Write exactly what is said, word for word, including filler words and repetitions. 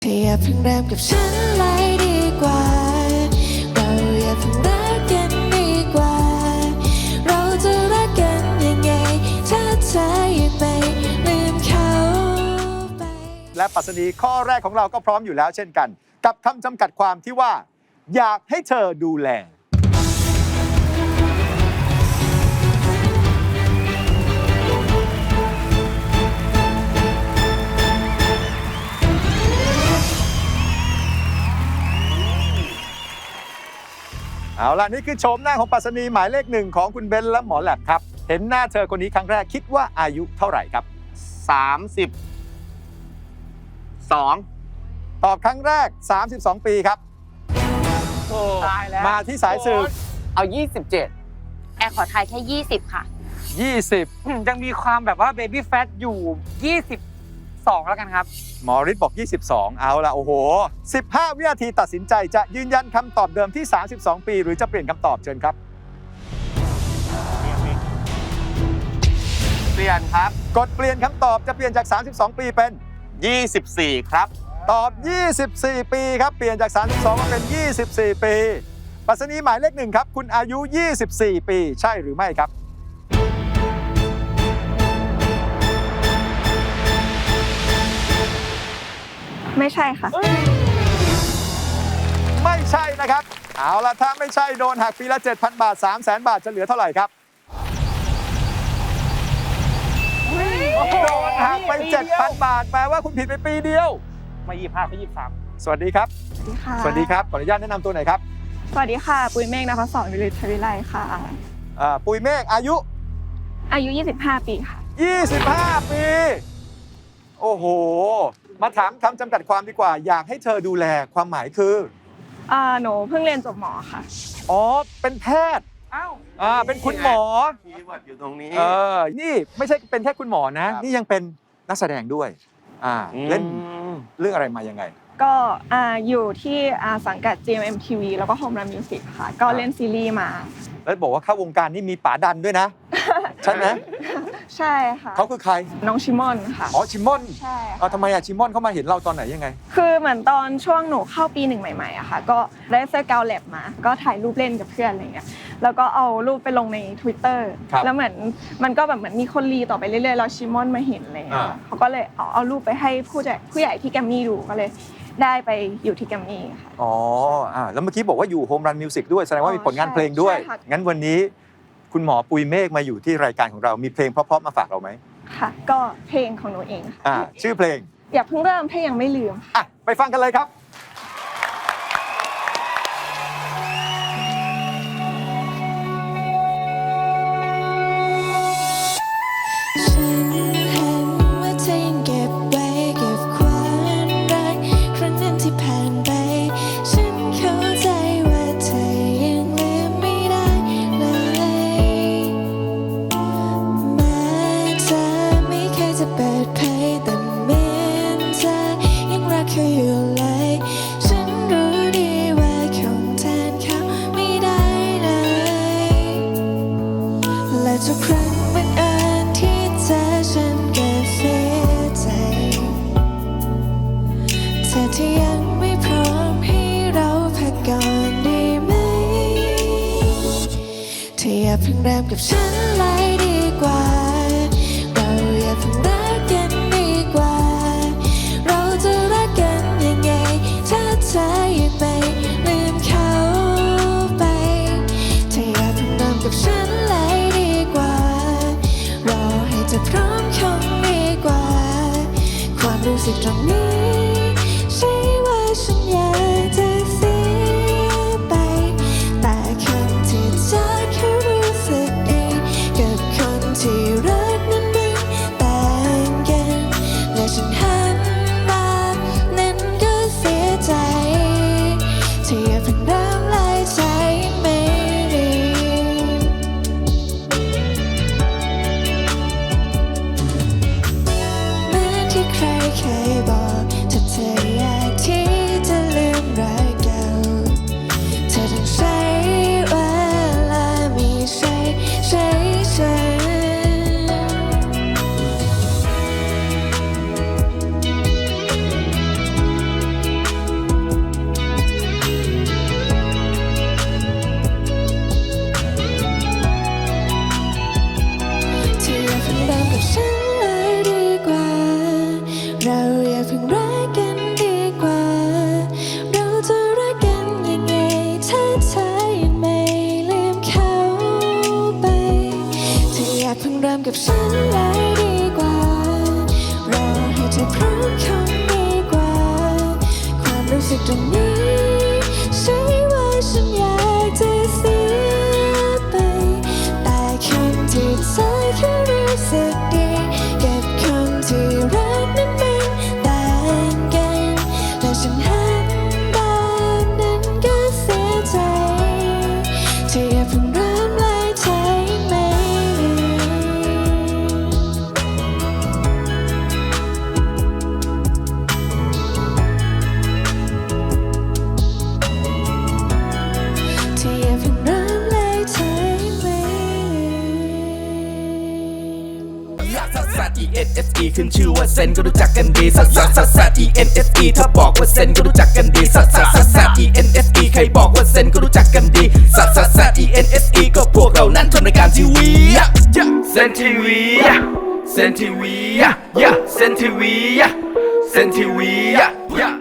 เธออย่าเพิ่งเริ่มกับฉันเลยดีกว่าเราอย่าเพิ่งรักกันดีกว่าเราจะรักกันยังไงถ้าเธอยังไม่ลืมเขาไปและปรัชนีข้อแรกของเราก็พร้อมอยู่แล้วเช่นกันกับคำจำกัดความที่ว่าอยากให้เธอดูแลเอาล่ะนี่คือโฉมหน้าของปรัชนีหมายเลขหนึ่งของคุณเบนและหมอแหลบครับเห็นหน้าเธอคนนี้ครั้งแรกคิดว่าอายุเท่าไหร่ครับสามสิบสองตอบครั้งแรกสามสิบสองปีครับตายแล้วมาที่สายสืบเอายี่สิบเจ็ดแอร์ขอทายแค่ยี่สิบค่ะยี่สิบยังมีความแบบว่าเบบี้แฟตอยู่ยี่สิบสองแล้วกันครับหมอฤทธิ์บอกยี่สิบสองเอาละโอ้โหสิบห้าวินาทีตัดสินใจจะยืนยันคำตอบเดิมที่สามสิบสองปีหรือจะเปลี่ยนคำตอบเชิญครับเปลี่ยนครับกดเปลี่ยนคำตอบจะเปลี่ยนจากสามสิบสองปีเป็นยี่สิบสี่ครับตอบยี่สิบสี่ปีครับเปลี่ยนจากสามสิบสองมาเป็นยี่สิบสี่ปีปรัชนีหมายเลขหนึ่งครับคุณอายุยี่สิบสี่ปีใช่หรือไม่ครับไม่ใช่ค่ะไม่ใช่นะครับเอาล่ะถ้าไม่ใช่โดนหักปีละ เจ็ดพัน บาท สามแสน บาทจะเหลือเท่าไหร่ครับโดนหักไป เจ็ดพัน บาทแปลว่าคุณผิดไปปีเดียวมายี่สิบห้าไปยี่สิบสามสวัสดีครับสวัสดีค่ะสวัสดีครับขออนุญาตแนะนำตัวหน่อยครับสวัสดีค่ะปุ้ยเมฆนภศรวิริทวิไลค่ะอ่าปุ้ยเมฆอายุอายุยี่สิบห้าปีค่ะยี่สิบห้าปีโอ้โหมาถามคำจำกัดความดีกว่าอยากให้เธอดูแลความหมายคืออ่าหนูเพิ่งเรียนจบหมอค่ะอ๋อเป็นแพทย์อ้าวอ่าเป็นคุณหมอคีย์เวิร์ดอยู่ตรงนี้เออนี่ไม่ใช่เป็นแค่คุณหมอนะนี่ยังเป็นนักแสดงด้วยอ่าเล่นเรื่องอะไรมายังไงก็อ่าอยู่ที่อ่าสังกัด จี เอ็ม เอ็ม ที วี แล้วก็ Home Run Music ค่ะก็เล่นซีรีส์มาแล้วบอกว่าเข้าวงการนี่มีป๋าดันด้วยนะใช่ไหมใช่ค่ะเขาคือใครน้องชิมอนค่ะอ๋อชิมอนใช่ค่ะทำไมอะชิมอนเขามาเห็นเราตอนไหนยังไงคือเหมือนตอนช่วงหนูเข้าปีหนึ่งใหม่ๆอะค่ะก็ได้เสื้อกาวแลบมาก็ถ่ายรูปเล่นกับเพื่อนอะไรเงี้ยแล้วก็เอารูปไปลงใน Twitter แล้วเหมือนมันก็แบบเหมือนมีคนรีต่อไปเรื่อยๆแล้วชิมอนมาเห็นอะไรเงี้ยเขาก็เลยเอาเอารูปไปให้ผู้ใหญ่ผู้ใหญ่ที่แกรมมี่ดูก็เลยได้ไปอยู่ที่แกรมมี่ค่ะอ๋ออ่าแล้วเมื่อกี้บอกว่าอยู่ Home Run Music ด้วยแสดงว่ามีผลงานเพลงด้วยงั้นวันนี้คุณหมอปุยเมฆมาอยู่ที่รายการของเรามีเพลงเพราะๆมาฝากเราไหมค่ะก็เพลงของหนูเองค่ะอ่าชื่อเพลงอย่าเพิ่งเริ่มถ้ายังไม่ลืมอ่ะไปฟังกันเลยครับทุกครั้งบังเอิญที่เจอฉันก็เสียใจเธอที่ยังไม่พร้อมให้เราพักก่อนได้ไหมเธออย่าเพิ่งเริ่มกับฉันเลยดีกว่าเราอย่าเพิ่งรักกันดีกว่าเราจะรักกันยังไงถ้าเธอยังไม่ลืมเขาไปเธออย่าเพิ่งเริ่มกับฉันจะพร้อมคงดีกว่าความรู้สึกตรงนี้ใช่ว่าฉันอยากจะเสียไปแต่คนที่เธอแค่รู้สึกดีกับคนที่รักนั้นไม่ต่างรงนี้ใช่ว่าฉันอยากจะเสียไปแต่คนที่เธอแค่รู้สึกดีกับคนที่รักนั้นมันต่างกันและฉันหันแบบนั้นก็เสียใจเธออย่าเพิ่งเริ่มไล่ใจไหมเธออย่าเพิ่งเริ่มไล่ใจไหมซัสซัส E N S E ขึ้นชื่อว่าเซนก็รู้จักกันดีซัสซัสซัสซัส E N S E ถ้าบอกว่าเซนก็รู้จักกันดีซัสซัสซัสซัส E N S E ใครบอกว่าเซนก็รู้จักกันดีซัสซัสซัส E N S E ก็พวกเรานั้นทำรายการทีวีเซนทีวีเซนทีวีเซนทีวีเซนทีวี